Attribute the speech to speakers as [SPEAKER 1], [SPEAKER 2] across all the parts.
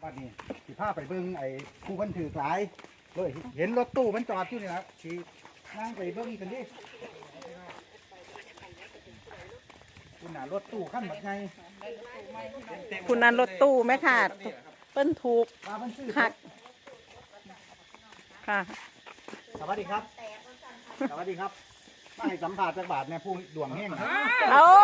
[SPEAKER 1] บ้านนี้สิพาไปเบิ่งไอ้ผู้คนถือหลายเลยเห็นรถตู้มันจอดอยู่นี่ครับสินั่งไปเบิ่งกันดิคุณน่ะรถตู้ขั้นแบบไง
[SPEAKER 2] คุณนันรถตู้ไหมค่ะเปิ้นถูก
[SPEAKER 1] มามันซื้อ
[SPEAKER 2] หักค่ะ
[SPEAKER 1] สวัสดีครับ สวัสดีครับมาให้สัมภาษณ์จากบาทเนี่ยผู้ดวงแห้งครับ
[SPEAKER 2] โอ้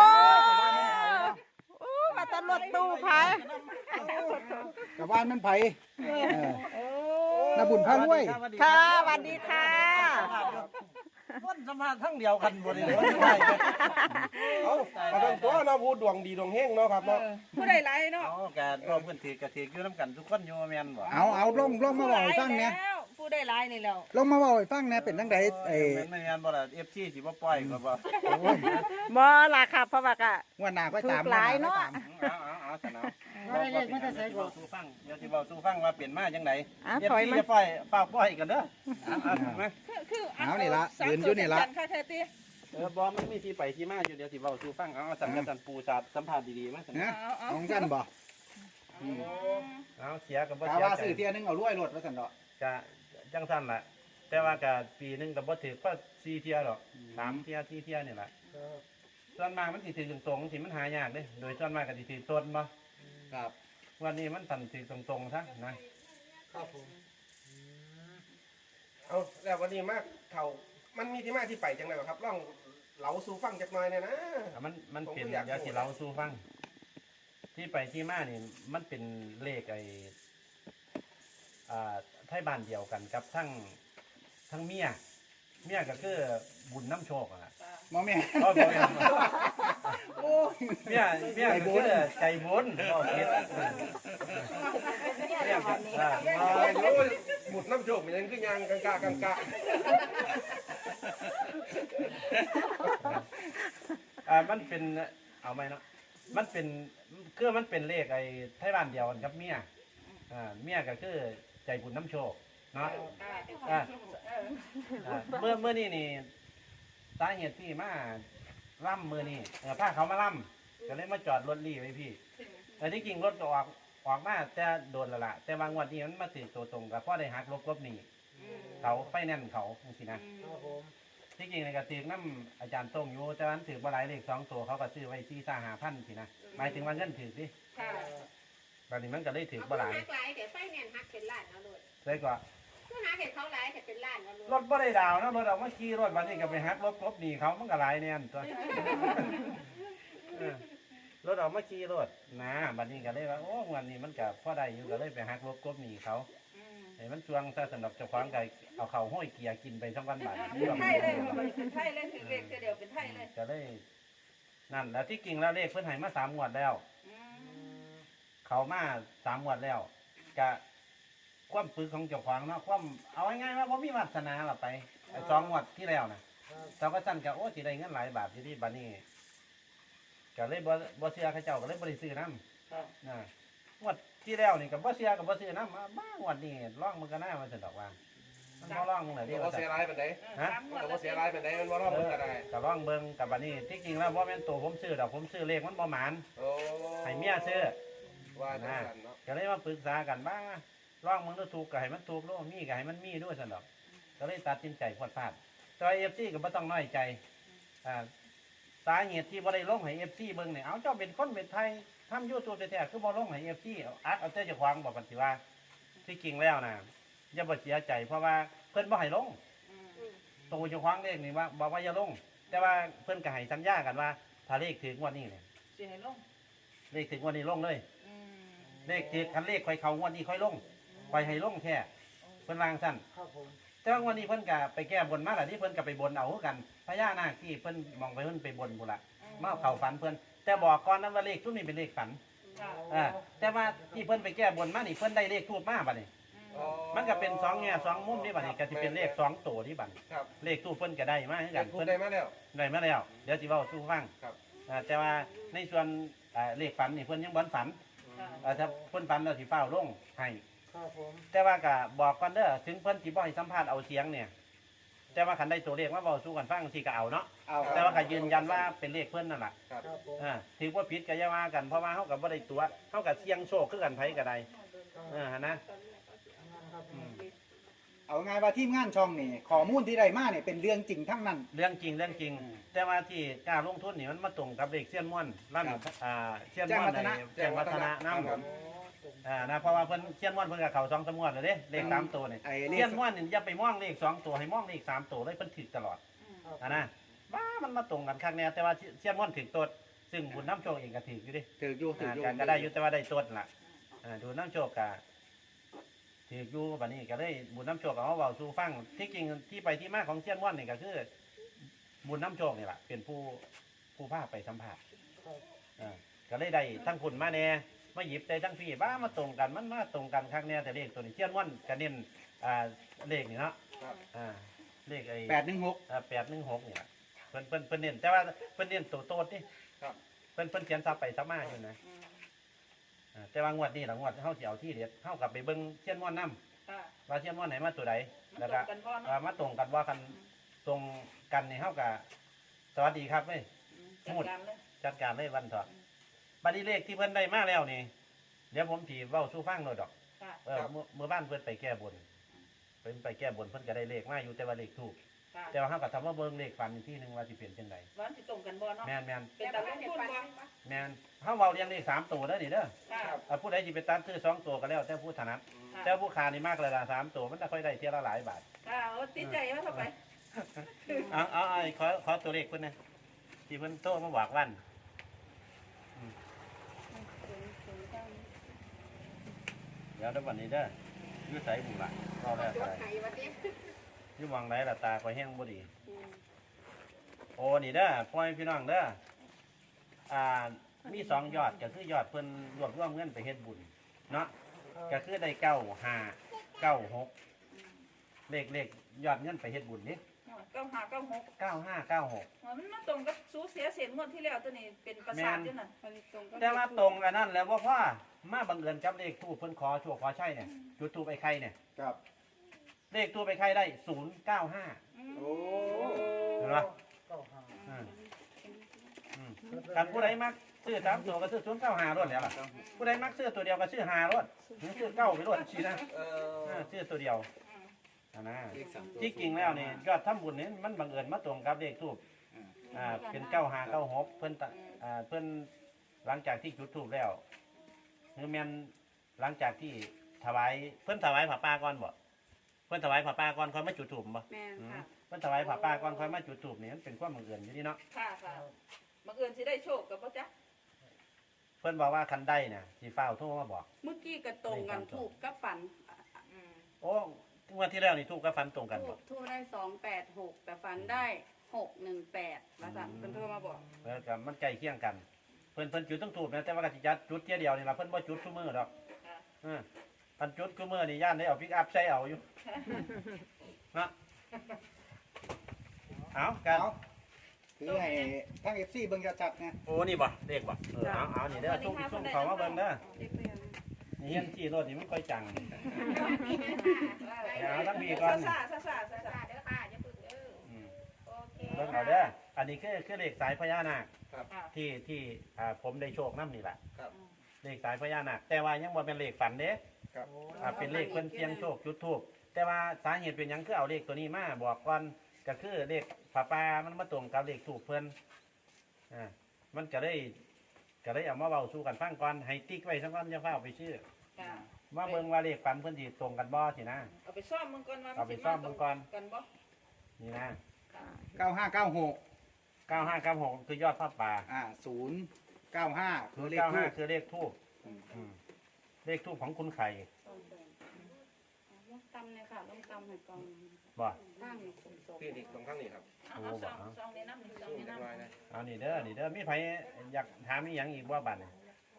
[SPEAKER 2] มาตรถตู้พาย
[SPEAKER 1] กับบ้านมันไผ่นาบุญพารวย
[SPEAKER 2] ค่ะสวัสดีค่ะ
[SPEAKER 3] คนสมาทั้งเดียวกันหมดเลยไม่ได้กัน
[SPEAKER 4] เอามาทำตัวเราพูดดวงดีดวงเฮงเนาะครับเนาะ
[SPEAKER 5] ผู้ใดไรเนาะ
[SPEAKER 3] เอาการรวมกันถือกระถืออยู่น้ำกันทุกคนอยู่แมนบ่
[SPEAKER 1] เอาลงมาบอกให้ฟังเนี่ย
[SPEAKER 5] แล้วผู้ใดไรนี่แล้ว
[SPEAKER 1] ลงมาบอกให้ฟังเนี่ยเป็นตั้งใดไอ้
[SPEAKER 3] ไม่แมนบ่ล่ะ FC สิบ่ปล่อยก็บ่
[SPEAKER 1] โอ้ย
[SPEAKER 2] บ่ล่ะค่ะเพราะว่ากะ
[SPEAKER 1] งวันหน้าก็ตาม
[SPEAKER 2] ถูกหลายเนาะ
[SPEAKER 3] เอาสนามบ่ได้ไม่ได้ใส่บ่สู้ฟังเดี๋ยวสิเว้าสู้ฟังว่าเปลี่ยนมาจังได๋
[SPEAKER 2] ถอย
[SPEAKER 3] FC
[SPEAKER 2] มา
[SPEAKER 3] จะปล่อยฝากปล่อยกันเด้อมา
[SPEAKER 5] คือ
[SPEAKER 1] เอานี่ละยืนอยู่นี่ละ
[SPEAKER 5] ค่ะแท้ตี
[SPEAKER 3] บ่มันมีที่ไปที่มาอยู่เดี๋ยวสิเว้าสู้ฟังเอาสั่งกันสันปูสาดสัมภาษณ์ดีๆมาสั่น
[SPEAKER 1] นะของกันบ่
[SPEAKER 3] เอาเสียก็บ่
[SPEAKER 1] กา
[SPEAKER 3] เสีย
[SPEAKER 1] ว่า
[SPEAKER 3] ใจ
[SPEAKER 1] ซื้อเที่ยนึงเอารวยรถว่าซั่นดอก
[SPEAKER 3] ก็จังซั่นล่ะแต่ว่าก็ปีนึงก็บ่ถือก็4เที่ยดอก3เที่ย4เที่ยนี่ล่ะส่วนมากมันสิถือตรงๆสิมันหายากเด้โดยส่วนมากก็สิถือต้นบ่
[SPEAKER 1] ครับ
[SPEAKER 3] วันนี้มันตันถือตรงๆซะนะครับ
[SPEAKER 4] ผมเอาแล้ววันนี้มากเขามันมีที่มาที่ไปจังไรครับล่องเหลาสู่ฟังจักหน่อยเนี่ยนะ
[SPEAKER 3] มันเป็น
[SPEAKER 4] ผมก็อยาก
[SPEAKER 3] เดี๋ยวสิเล่าสู่ฟัง ที่ไปที่มานี่มันเป็นเลขไอ้ไทยบ้านเดียวกันกับทั้งเมียก็คือบุญน้ำโชคอะ
[SPEAKER 1] หมอแม่
[SPEAKER 3] อ๋อบ่แม่น
[SPEAKER 1] โอ้ย
[SPEAKER 3] เมียก็คือใจบุญบ่คิดเมียก็
[SPEAKER 4] หมุดน้ำโจกมันยังคือยางกังกะกังกะ
[SPEAKER 3] มันเป็นเอาไหมเนาะมันเป็นมันเป็นเลขไอ้ไทยบ้านเดียวกันกับเมียเมียก็คือใจบุญน้ำโชคเนาะเมื่อนี่สาเหตุที่มาล่ำมือนี่พาเขามาล่ำก็เลยมาจอดรถรีไว้พี่แต่ที่จริงรถก็ออกมาแต่โดนและละแต่บางวันนี้มันมาติดตัวตรงกับพ่อได้หักลบหนีเขาไฟแน่นเขาสินะที่จริงในกระตือน้ำอาจารย์ต้งอยู่แต่วันถือมาหลายเลข2 ตัวเขาก็ซื้อไว้4-5,000สินะหมายถึงว่าเงินถือสิ
[SPEAKER 5] ค่ะ
[SPEAKER 3] ตอนนี้มันก็ได้ถือมาหลาย
[SPEAKER 6] หักหลายเดี๋ยวไฟแนนซ์หักเป็นล้านเอาเลย
[SPEAKER 3] เลยก็
[SPEAKER 6] คือหาเห็นเขาหลายแต่เป็นล้านเอาเลย
[SPEAKER 3] รถบ่ได้ดาวนะรถเอามาขี่รถวันนี้ก็ไปหักลบหนีเขามันก็หลายแน่นตัวรถเอามาขี่รถนะบัดนี้ก็เลยว่าโอ้วันนี้มันก็พอได้อยู่ก็เลยไปหักลบหนีเขาไอ้มันช่วงถ้าสำหรับเจ้าของก็เอาเข่าห้อยเกียร์กินไปทั้งวันบ่าย
[SPEAKER 5] เป็นไทยเลยเป็นไทยเลยถือเลขเดียวเป็นไทยเลย
[SPEAKER 3] ก็เลยนั่นแล้วที่จริงแล้วเลขเพิ่นให้มา3 งวดแล้ว เขามา3 งวดแล้วก็ความปึกของเจ้าของเนาะความเอาง่ายๆว่าบ่มีวาสนาล่ะไปไอ้2 งวดที่แล้วนะเราก็สั่นก็โอ้สิได้เงินหลายบาทอยู่ที่บัดนี้ก็เลยบ่เชื่อเขาเจ้าก็เลยบ่ได้ซื้อนำงวดที่แล้วนี่ก็บ่เชื่อก็บ่ซื้อนำบ้างวดนี้ลองมันก็น่าว่าซั่นดอกว่ามันบ่ลองมึงน่ะดิ
[SPEAKER 4] เรา
[SPEAKER 3] ว่า
[SPEAKER 4] เสี
[SPEAKER 3] ซั่
[SPEAKER 4] ย
[SPEAKER 3] น
[SPEAKER 4] รายเป็นไง
[SPEAKER 3] ฮะ
[SPEAKER 4] เราเสียรายเป็นไงมันว่าเราเป็นอะไร
[SPEAKER 3] ก็ลองเบิ่งกับบัดนี้ที่จริงแล้วบ่แม่นตัวผมซื้อดอกผมซื้อเลขมันบ่หมาน
[SPEAKER 4] โอ้
[SPEAKER 3] ให้เมียซื้อ
[SPEAKER 4] ว่าจังสันเนาะ
[SPEAKER 3] ก็เลยมาปรึกษากันบ้างร่องมึงต้องถูกก็ให้มันถูกโลมีก็ให้มันมีด้วยสนอกก็เลยตัดสินใจพลาดแต่เอฟซีก็ไม่ต้องน้อยใจสาเหตุที่บ่ได้ลงให้เอฟซีเบิ่งเนี่ยเอาเจ้าเป็นคนเป็นไทยทำยูทูบแท้ๆคือบ่ลงให้เอฟซีอัดเอาแต่เจ้าของบอกกันสิว่าที่จริงแล้วนะอย่าบ่เสียใจเพราะว่าเพิ่นบ่ให้ลงตัวเจ้าของเลขนี่ว่าบอกว่าอย่าลง แต่ว่าเพิ่นก็ให้สัญญากันว่าถ้าเลขถึงงวดนี้เนี่ย
[SPEAKER 5] สิให้ลง
[SPEAKER 3] เลขถึงงวดนี้ลงเลย เลขที่คันเลขค่อยเขางวดนี้ค่อยลงค่อยให้ลงแค่เพิ่นวางสั้นแต่ว่างวดนี้เพิ่นก็ไปแก้บนมาแล้วที่เพิ่นก็ไปบนเอาคือกันพญานาคที่เพิ่นมองไปเพิ่นไปบนบุละมาเข้าฝันเพิ่นแต่บอกก่อนนั้นว่าเลขทุกนี้เป็นเลขฝันแต่ว่าที่เพิ่นไปแก้บนมานี่เพิ่นได้เลขทูบมาบัดนี้มันก็เป็น2 แง่2 มุมนี่บัดนี้ก็สิเป็นเลข2 ตัวนี่บัด
[SPEAKER 4] ครับ
[SPEAKER 3] เลขทูบเพิ่นก็ได้มาคือกัน
[SPEAKER 4] พูด
[SPEAKER 3] เพิ่น
[SPEAKER 4] ได้มาแล้ว
[SPEAKER 3] ได้มาแล้วเดี๋ยวสิเว้าสู่ฟัง
[SPEAKER 4] ครับ
[SPEAKER 3] แต่ว่าในส่วนเลขฝันนี่เพิ่นยังบ่ฝัน ถ้าเพิ่นฝันแล้วสิฟ้าวลงให้แต่ว่าก็บอกก่อนเด้อถึงเพิ่นสิบ่ให้สัมภาษณ์เอาเสียงเนี่ยแต่ว่าคันได้ตัวเลขมาเว้าสู่กันฟังสิก็เอาเนาะ
[SPEAKER 1] เอา
[SPEAKER 3] แต่ว่าก็ยืนยันว่าเป็นเลขเพิ่นนั่นล่ะ
[SPEAKER 4] ครับ
[SPEAKER 3] ถือว่าผิดก็อย่าว่ากันเพราะว่าเฮาก็บ่ได้ตัวเฮาก็เสี่ยงโชคคือกันไผก็ได้นะ
[SPEAKER 1] เอาง่ายว่าทีมงานช่องนี่ข้อมูลที่ได้มาเนี่ยเป็นเรื่องจริงทั้งนั้น
[SPEAKER 3] เรื่องจริงเรื่องจริง แต่ว่าที่กล้าลงทุนนี่มันมาตรงกับเลขเสี้ยนม่วนร้าน
[SPEAKER 1] ครับ
[SPEAKER 3] เสี้ยนม่วน
[SPEAKER 1] แจ้งวัฒนะ
[SPEAKER 3] แจ้งวัฒนะน้ำ
[SPEAKER 4] ครับ
[SPEAKER 3] นะเพราะว่าเพิ่นเสี้ยนม่วนเพิ่นกับเขา2 3งวดเลยเด้เลข3ตัวนี่
[SPEAKER 1] ไอ้เล
[SPEAKER 3] เสี้ย
[SPEAKER 1] ข
[SPEAKER 3] นม่วนนี่อย่าไปมองเลข2ตัวให้มองเลข3ตัวเลยเพิ่นถูกตลอดนะบ้ามันมาตรงกันคักแน่แต่ว่าเสี้ยนม่วนถูกตัวซึ่งบุญน้ำโชคเองก็ถูกอยู่ดิ
[SPEAKER 1] ถืออยู่ถืออยู่
[SPEAKER 3] ก็ได้อยู่แต่ว่าได้ตัวล่ะดูน้ำโชคก็ถูกอยู่บัดนี้ก็เลยบุญน้ำโชคก็เอาเว้าสู่ฟังที่จริงที่ไปที่มาของเสี้ยนม่วนนี่ก็คือบุญน้ำโชคนี่ล่ะเป็นผู้พาไปสัมภาษณ์ก็เลยได้ทั้งคุณมาแน่มาหยิบใจทั้งพี่บ้ามาตรงกันมันมาตรงกันครั้งแน่แต่เลขตัวนี้เชียนม่วนก็เน้นเลขนี่เนาะเลขไอ้
[SPEAKER 1] 816
[SPEAKER 3] 816นี่ล่ะเพิ่นเน้นแต่ว่าเพิ่นเน้นตัวโตดนี่
[SPEAKER 4] ครับ
[SPEAKER 3] เพิ่นเขียนซับไปซับมาอยู่นะแต่ว่างวดนี้ล่ะงวดเฮาสิเอาที่เด็ดเฮากลับไปเบิ่งเชียนม่วนนำ
[SPEAKER 5] ค่ะ
[SPEAKER 3] ว่าเชียนม่วนไหนมาตัวใด
[SPEAKER 5] มัน
[SPEAKER 3] แล้ว
[SPEAKER 5] ตร
[SPEAKER 3] ก็
[SPEAKER 5] งกันบ่เนาะ
[SPEAKER 3] มาตรงกันว่ากันตรงกันนี่เฮาก็สวัสดีครับเว้ย
[SPEAKER 5] จัดการเลย
[SPEAKER 3] จัดการเลยวันเถอะบัดนี้เลขที่เพิ่นได้มาแล้วนี่เดี๋ยวผมสิเว้าสู่ฟังหน่อยดอก
[SPEAKER 5] ค่ะ
[SPEAKER 3] เมื่อบ้านเพิ่นไปแก้บนเพิ่นไปแก้บนเพิ่นก็ได้เลขมาอยู่แต่ว่าเลขถูก
[SPEAKER 5] ค่ะ
[SPEAKER 3] แต่ว่าเฮาก็ทำว่าเบิ่งเลขฝันอีกที่หนึงว่าสิเปลี่ยนจังได
[SPEAKER 5] วันสิตรงกันบ่เนาะ
[SPEAKER 3] แม่น
[SPEAKER 5] เป็นตาลงทุนบ่
[SPEAKER 3] แม่นเฮาเว้าเรียงเลข3ตัวเด้อนี่เด้อ
[SPEAKER 5] ค่ะ
[SPEAKER 3] ผู้ใดสิไปตัดซื้อ2ตัวก็แล้วแต่ผู้ถนัดแต่ผู้ค้านี่มากเลยล่ะ3ตัวมันจะค่อยได้เที่ยละหลายบาท
[SPEAKER 5] ค่ะเอาติดใจว่าเข้าไป
[SPEAKER 3] เอาขอตัวเลขเพิ่นนะที่เพิ่นโตมาบอกวันเดี๋ยวเดี๋ยววันนี้เด้ออยู่ไสบุล่ะเราแล้ว
[SPEAKER 6] จ
[SPEAKER 3] ไป
[SPEAKER 6] ดไห้วันนี้
[SPEAKER 3] อยู่หวังไหนล่ะตาคอยแห้งบ่ดี โอ้นี่เด้อพ่อแม่พี่น้องเด้อมี2ยอดก็คือยอดเพิ่นรวบรวมเงินไปเฮ็ดบุญเนาะก็คือได้9596เลขยอดเงินไปเฮ็ดบุญนี่
[SPEAKER 5] 9596
[SPEAKER 3] 9596
[SPEAKER 5] มันมาตรงกับสูเสียเสียงงวดที่แล้วตัวนี้เป็นประสาทอยู่นั่น
[SPEAKER 3] แต่ว่าตรงกันนั่นแหล้วว่าพ่อมาบังเอิญจับเลขทูปเพิ่นขอโชคขอใช่เนี่ยจุดทูปไอ้ไข่เนี่ย
[SPEAKER 1] ครับ
[SPEAKER 3] เลขทูปไอ้ไข่ได้095
[SPEAKER 1] โอ้
[SPEAKER 3] เห็นปะกันผู้ใดมักซื้อ3ตัวก็ซื้อ095รถแล้วล่ะผู้ใดมักซื้อตัวเดียวก็ซื้อ5รถหรือซื้อ9ไปรถสินะซื้อตัวเดียวนะที่จริงแล้วนี่ยอดทำบุญนี่มันบังเอิญมาตรงกับเลขทูปเป็น9596เพิ่นหลังจากที่จุดทูปแล้วคือแม่นหลังจากที่ถวายเพิ่นถวายผ้าป่าก่อนบ่เพิ่นถวายผ้าป่าก่อนค่อยมาจุดทูปบ่
[SPEAKER 6] แม่นค่ะ
[SPEAKER 3] เพิ่นถวายผ้าป่าก่อนค่อยมาจุดทูปนี่มันเป็นความบังเอิญอยู่นี่เนาะ
[SPEAKER 5] ค่ะค่ะบังเอิญสิได้โชคกับบ่จ๊ะ
[SPEAKER 3] เพิ่นบอกว่าคันได้น่ะสิฟ้าวโทรมาบอก
[SPEAKER 6] เมื่อกี้ก็ตรงกันถูกกับฝัน
[SPEAKER 3] โอ้งวดที่แล้วนี่ทูปกับฟันตรงกัน
[SPEAKER 6] ถู
[SPEAKER 3] บ่
[SPEAKER 6] กทูกได้286แต่ฝันได้618ว่าซั่นเพิ่นโทรมาบอก
[SPEAKER 3] แล้วก็มันใกล้เคียงกันเพิ่นจุดต้องทูปนะแต่ว่าก็สิจัดจุดเที่ยเดียวนี่ล่ะเพิ่นบ่จุดทุกมื้อดอกพันจุดทุกมื้อนี่ย่านได้เอาปิกอัพใช้เอาอยู่เนาะเอากัน
[SPEAKER 1] เอาถือให้ทั้ง FC เบิ่งจัดๆนะ
[SPEAKER 3] โอ้นี่บ่เลขบ่เอานี่เด้อซุ่มเขามาเบิ่งเด้อนี่เห็นที่รถนี่มันค่อยจังเอาทั้งบีก่อน
[SPEAKER 5] ซ่าๆ
[SPEAKER 6] สาเด้อค่ะอย่าพึ่งเด้อโอเค
[SPEAKER 3] เบิ่งเอาเด้ออันนี้คือเลขสายพญานาค
[SPEAKER 4] ครับ
[SPEAKER 3] ที่ผมได้โชคนำนี่แหละ
[SPEAKER 4] ครับ
[SPEAKER 3] เลขสายพญานาคแต่ว่ายังบ่เป็นเลขฝันเด้
[SPEAKER 4] ครับ
[SPEAKER 3] เป็นเลขเพิ่นเสียงโชคจุดทูบแต่ว่าสาเหตุเป็นหยังคือเอาเลขตัวนี้มาบอกก่อนก็คือเลขฝาปามันมาตรงกับเลขทูบเพิ่นมันก็ได้เอามาเว้าสู่กันฟังก่อนให้ติ๊กไว้ซะก่อนอย่าฟ้าเอาไปชื่อ
[SPEAKER 5] ค่ะ
[SPEAKER 3] ว่าเบิ่งว่าเลขฝันเพิ่นสิตรงกันบ่สินะ
[SPEAKER 5] เอาไปซ่อมมึงก่อนว่า
[SPEAKER 3] เอาไปซ่อมมึงก่อน
[SPEAKER 5] กันบ่
[SPEAKER 3] นี่นะ
[SPEAKER 1] 9596
[SPEAKER 3] 9596คือยอดผ้าป่า
[SPEAKER 1] 095คือเลขทูป
[SPEAKER 3] 95คือเลขทูบเลขทูบของคุณไข่
[SPEAKER 6] ลงตำเลยค่ะลงตำให้กอง
[SPEAKER 3] บ่
[SPEAKER 6] ตั้งนี่คุณโต
[SPEAKER 4] พี่ดิกตรงข้างนี้ครับ
[SPEAKER 5] เอาซ่อมในน้ำนี่ซ่อม
[SPEAKER 4] สู้
[SPEAKER 5] ใน
[SPEAKER 4] จัง
[SPEAKER 5] น้ำ
[SPEAKER 4] ไรนะ
[SPEAKER 3] เอานี่เด้อมีไผอยากถามอีหยังอีกบ่บัดนี้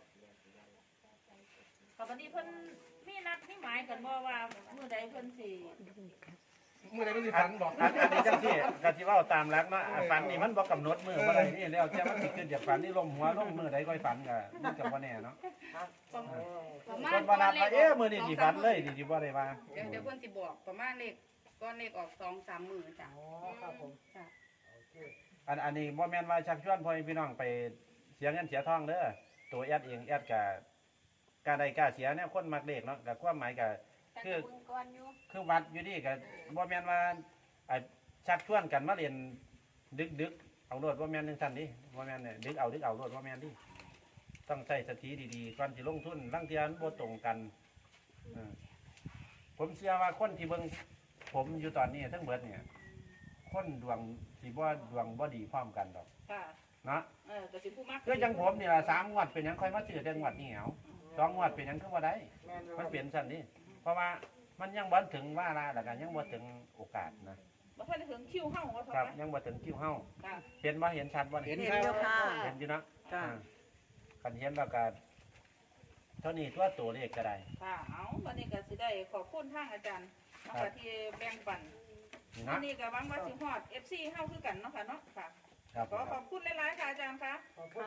[SPEAKER 5] ค่ะวันนี้เพิ่นมีนัดมีหมายกันบ่ว่ามื้อใดเพิ่นสิ
[SPEAKER 4] เมื่อไหร่ก็สิฝันบอก
[SPEAKER 3] อันนี้จังซี่ก็สิเว้าตามหลักเนาะฝันนี่มันบ่กำหนดมื้อบ่ได้นี่แล้วแต่มันสิขึ้นจากฝันนี่ลมหัวลงมื้อใดค่อยฝันก็มันก็บ่แน่เนาะ
[SPEAKER 6] ประมา
[SPEAKER 3] เพิ่
[SPEAKER 6] ณ
[SPEAKER 3] นบ่นัดว่ามื้อนี้สิฝันเลยนี่สิบ่ได้ว่า
[SPEAKER 6] เดี๋ยวเพิ่นสิบอกประมาณเลขก้อนเลขออก2-3มื้อจ้ะครับผมจ้ะ
[SPEAKER 3] อันนี้บ่แม่นว่าชักชวนพ่อแม่พี่น้องไปเสียเงินเสียทองเด้อตัวแอดเองแอดก็กล้าได้กล้าเสียเนี่ยคนมักเลขเนาะกับความหมายก็คือคือวัดอยู่นี่ก็บ่แม่นว่าชักชวนกันมาเรียนดึกเอาโลดบ่แม่นจังซั่นดิบ่แม่นเนี่ยดึกเอาโลดบ่แม่นดิต้องใช้สติดีๆก่อนสิลงทุนลางเที่ยมันบ่ตรงกันผมเชื่อว่าคนที่เบิ่งผมอยู่ตอนนี้ทั้งเบิดเนี่ยคนดวงสิบ่ดวงบ่ดีพร้อมกันดอก
[SPEAKER 5] ค่ะ
[SPEAKER 3] เนาะ
[SPEAKER 5] ก็สิผู้มัก
[SPEAKER 3] คือจังผมนี่ล่ะ3งวดเป็นหยังค่อยมาซื้อแต่งวดนี้เอา2งวดเป็นหยังคือบ่ได้มันเปลี่ยนซั่นนี่เพราะว่ามันยังบ่ถึงว่าละแล้วก็ยังบ่ถึงโอกาสนะ
[SPEAKER 5] บ่ทันได้ถึงคิวเฮาว่า
[SPEAKER 3] ครับ
[SPEAKER 5] เท่า
[SPEAKER 3] ยังบ่ถึงคิวเฮา
[SPEAKER 5] ค่ะ
[SPEAKER 3] เห็นบ่เห็นชัดบ่
[SPEAKER 1] เห็น
[SPEAKER 2] เห็น
[SPEAKER 1] ค
[SPEAKER 2] อ
[SPEAKER 1] รั
[SPEAKER 2] ยู่
[SPEAKER 1] บ
[SPEAKER 2] ค่ะ
[SPEAKER 3] เห็นอยู่เนาะ
[SPEAKER 2] จ้ะ
[SPEAKER 3] คันเห็นแล้วก็เท่านี้ตัวเลขก็ได้
[SPEAKER 5] ค่ะเอาวันนี้ก็สิได้ขอบคุณทางอาจารย์เนาะค่ะที่แบ่งปัน
[SPEAKER 3] นี่
[SPEAKER 5] วั
[SPEAKER 3] เนาะ
[SPEAKER 5] นนี้ก็หวังว่าสิฮอด FC เฮาคือกันเนาะค่ะเนาะค่ะ
[SPEAKER 3] ครับ
[SPEAKER 5] ขอขอบคุณหลายๆค่ะอาจารย์คะ
[SPEAKER 3] ขอบคุณ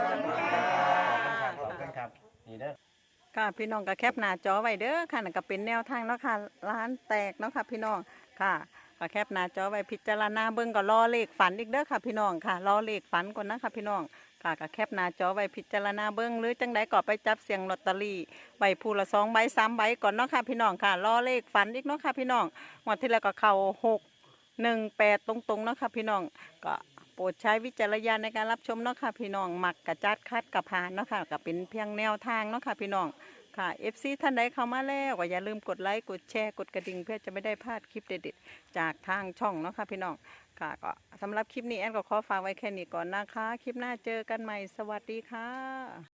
[SPEAKER 3] ครับนี่เด้อ
[SPEAKER 2] ค่ะพี่น้องก็แคปหน้าจอไว้เด้อค่ะนั่นก็เป็นแนวทางเนาะค่ะร้านแตกเนาะค่ะพี่น้องค่ะก็แคปหน้าจอไว้พิจารณาเบิ่งก็รอเลขฝันอีกเด้อค่ะพี่น้องค่ะรอเลขฝันก่อนนะคะพี่น้องค่ะก็แคปหน้าจอไว้พิจารณาเบิ่งหรือจังใดก็ไปจับเสียงลอตเตอรี่ใบผู้ละ2 ใบ 3 ใบก่อนเนาะค่ะพี่น้องค่ะรอเลขฝันอีกเนาะค่ะพี่น้องงวดที่แล้วก็เข้า618ตรงๆเนาะค่ะพี่น้องก็โปรดใช้วิจารณญาณในการรับชมเนาะค่ะพี่น้องมักกะจัดคัดกะผ่านเนาะค่ะก็เป็นเพียงแนวทางเนาะค่ะพี่น้องค่ะ FC ท่านใดเข้ามาแล้วก็อย่าลืมกดไลค์กดแชร์กดกระดิ่งเพื่อจะไม่ได้พลาดคลิปเด็ดๆจากทางช่องเนาะค่ะพี่น้องค่ะก็สำหรับคลิปนี้แอนก็ขอฝากไว้แค่นี้ก่อนนะคะคลิปหน้าเจอกันใหม่สวัสดีค่ะ